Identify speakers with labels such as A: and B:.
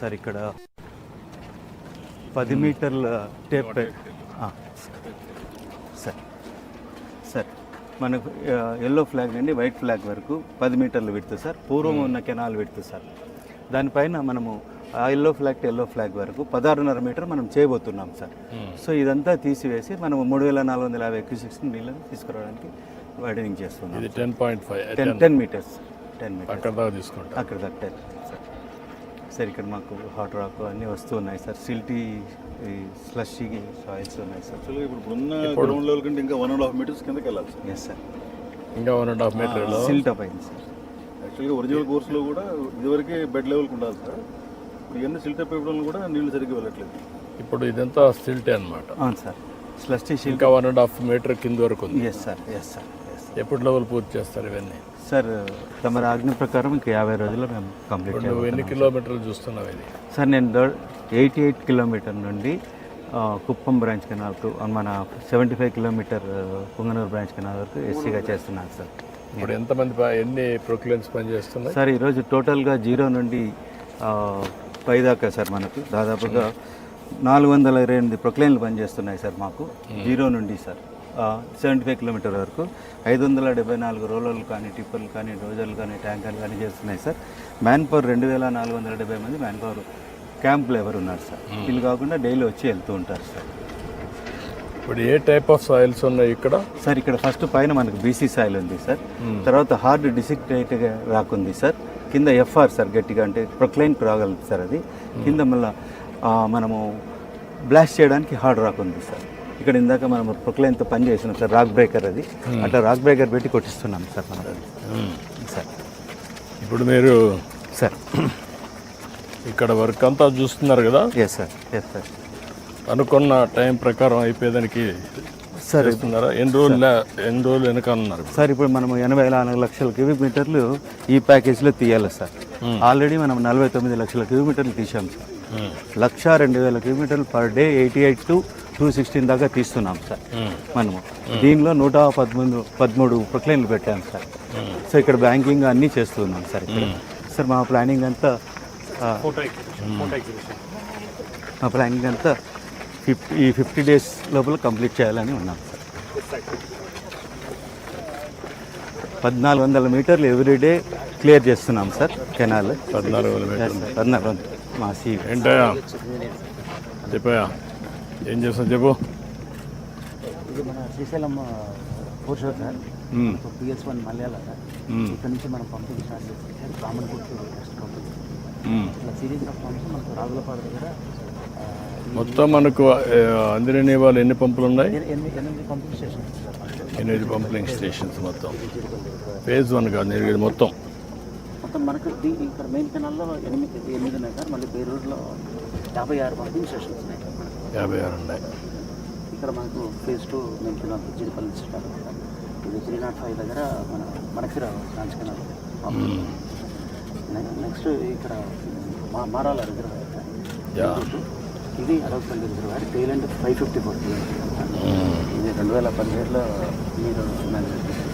A: Sir ఇక్కడ 10 మీటర్ల tape sir sir మనకు ఎల్లో ఫ్లాగ్ నుండి వైట్ ఫ్లాగ్ వరకు 10 మీటర్లు విడుతు సార్. పూర్వం ఉన్న కెనాల్ విడుతు సార్. దానిపైన మనము ఆ yellow flag to yellow flag వరకు 16.5 మీటర్ మనం చేయబోతున్నాం సార్. సో ఇదంతా తీసివేసి మనం 3450 క్యూసెక్స్ నీళ్ళని తీసుకురావడానికి వైడనింగ్ చేస్తున్నాం. 10 మీటర్స్
B: అక్కడ దాకా తీసుకుంటాం.
A: అక్కడ దాకా సార్. సార్ ఇక్కడ మాకు హాట్ రాక్ అన్నీ వస్తూ ఉన్నాయి సార్. సిల్టీ స్లషీ సాయిల్స్ ఉన్నాయి సార్.
C: యాక్చువల్గా ఇప్పుడు ఉన్న గ్రౌండ్ లెవెల్ కంటే ఇంకా 1.5 మీటర్స్ కిందకి వెళ్ళాలి సార్.
A: ఎస్ సార్,
B: ఇంకా 1.5 మీటర్లో
A: సిల్ట్ అప్ అయింది సార్.
C: యాక్చువల్గా ఒరిజినల్ కోర్సులో కూడా ఇదివరకే బెడ్ లెవెల్కి ఉండాలి సార్. ఇవన్నీ సిల్ట్ అప్ అయిపోవడం కూడా నీళ్లు సరిగ్గా వెళ్ళట్లేదు.
B: ఇప్పుడు ఇదంతా సిల్టే అనమాట.
A: అవును సార్, స్లషీ సిల్ట్.
B: ఇంకా 1.5 మీటర్ కింద వరకు ఉంది.
A: Yes sir, yes sir.
B: ఎప్పుడు లెవెల్ పూర్తి చేస్తారు ఇవన్నీ?
A: సార్ తమ ఆజ్ఞ ప్రకారం ఇంకా 50 రోజుల్లో మేము కంప్లీట్ చేయాలి.
B: నువ్వు ఎన్ని కిలోమీటర్లు చూస్తున్నావు ఇది?
A: సార్ నేను 88 కిలోమీటర్ నుండి కుప్పం బ్రాంచ్ కెనాల్ మన 75 కిలోమీటర్ పుంగనూరు బ్రాంచ్ కెనాల్ వరకు ఎస్సీగా చేస్తున్నాను సార్.
B: ఇప్పుడు ఎంతమంది ఎన్ని ప్రొక్లైన్స్ పనిచేస్తున్నాయి
A: సార్? ఈరోజు టోటల్గా 0 నుండి 5 దాకా సార్ మనకు దాదాపుగా 428 ప్రొక్లైన్లు పనిచేస్తున్నాయి సార్ మాకు. 0 నుండి సార్ 75 కిలోమీటర్ వరకు 574 రోలర్లు కానీ టిప్పర్లు కానీ డోజర్లు కానీ ట్యాంకర్లు కానీ చేస్తున్నాయి సార్. మ్యాన్ పవర్ 2470 మంది మ్యాన్ పవర్ క్యాంప్ లేబర్ ఉన్నారు సార్. వీళ్ళు కాకుండా డైలీ వచ్చి వెళ్తూ ఉంటారు సార్.
B: ఇప్పుడు ఏ టైప్ ఆఫ్ సాయిల్స్ ఉన్నాయి ఇక్కడ?
A: సార్ ఇక్కడ ఫస్ట్ పైన మనకు బీసీ సాయిల్ ఉంది సార్. తర్వాత హార్డ్ డిసిక్టేట్గా రాకుంది సార్. కింద ఎఫ్ఆర్ సార్, గట్టిగా అంటే ప్రొక్లైన్ రాగలదు సార్. అది కింద మళ్ళీ మనము బ్లాస్ట్ చేయడానికి హార్డ్ రాక్ ఉంది సార్. ఇక్కడ ఇందాక మనం ప్రొక్లైన్తో పని చేసినాం సార్. రాక్ బ్రేకర్ అది, అట్లా రాక్ బ్రేకర్ పెట్టి కొట్టిస్తున్నాం సార్ మనం సార్.
B: ఇప్పుడు మీరు
A: సార్
B: ఇక్కడ వర్క్ అంతా చూస్తున్నారు కదా?
A: Yes sir, yes sir.
B: అనుకున్న టైం ప్రకారం అయిపోయేదానికి
A: సార్
B: ఇస్తున్నారా? ఎన్ని రోజులు వెనక అన్నారు
A: సార్? ఇప్పుడు మనం 84 లక్షల క్యూబిక్ మీటర్లు ఈ ప్యాకేజ్లో తీయాలి సార్. ఆల్రెడీ మనం 49 లక్షల క్యూబిక్ మీటర్లు తీసాం సార్. 102,000 కిలోమీటర్లు పర్ డే 88 to 216 దాకా తీస్తున్నాం సార్ మనము. దీనిలో 113 ప్రొక్లైన్లు పెట్టాం సార్. సో ఇక్కడ బ్యాంకింగ్ అన్నీ చేస్తున్నాం సార్ ఇక్కడ. సార్ మా ప్లానింగ్ అంతా 50 డేస్ లోపల కంప్లీట్ చేయాలని ఉన్నాం సార్. 1400 మీటర్లు ఎవ్రీడే క్లియర్ చేస్తున్నాం సార్ కెనాల్. 1400 మా సీ.
B: ఏంటయా చెప్పయా, ఏం చేస్తాం చెప్పు.
D: ఇది మన శ్రీశైలం పోర్షర్ సార్, PS1 మలయాళ సార్. ఇక్కడ నుంచి మనం పంపింగ్ స్టార్ట్ చేసి కామన్ గుర్తు నెక్స్ట్ పంపింగ్ ఇట్లా సిరీస్ ఆఫ్ పంప్స్ మనకు రాగులపాడు దగ్గర
B: మొత్తం మనకు అందిరని వాళ్ళు ఎన్ని పంపులు ఉన్నాయి?
D: 8 pumping stations sir.
B: 8 pumping stations మొత్తం. ఫేజ్ 1 కాదు మొత్తం
D: మనకు ఇక్కడ మెయిన్ కెనాల్లో 8 ఉన్నాయి సార్. మళ్ళీ బేరూరులో 56 పంపింగ్ స్టేషన్స్ ఉన్నాయి.
B: 56 ఉన్నాయి.
D: ఇక్కడ మనకు phase 2 main canal Jeedipalli start sir. ఇది 305 దగ్గర మనకిరా బ్రాంచ్ కెనాల్. నెక్స్ట్ ఇక్కడ మారాల రిజర్వాయర్ సార్. ఇది అరవపల్లి రిజర్వాయర్. టైల్ అండ్ 554 ఇది 2017లో మీరు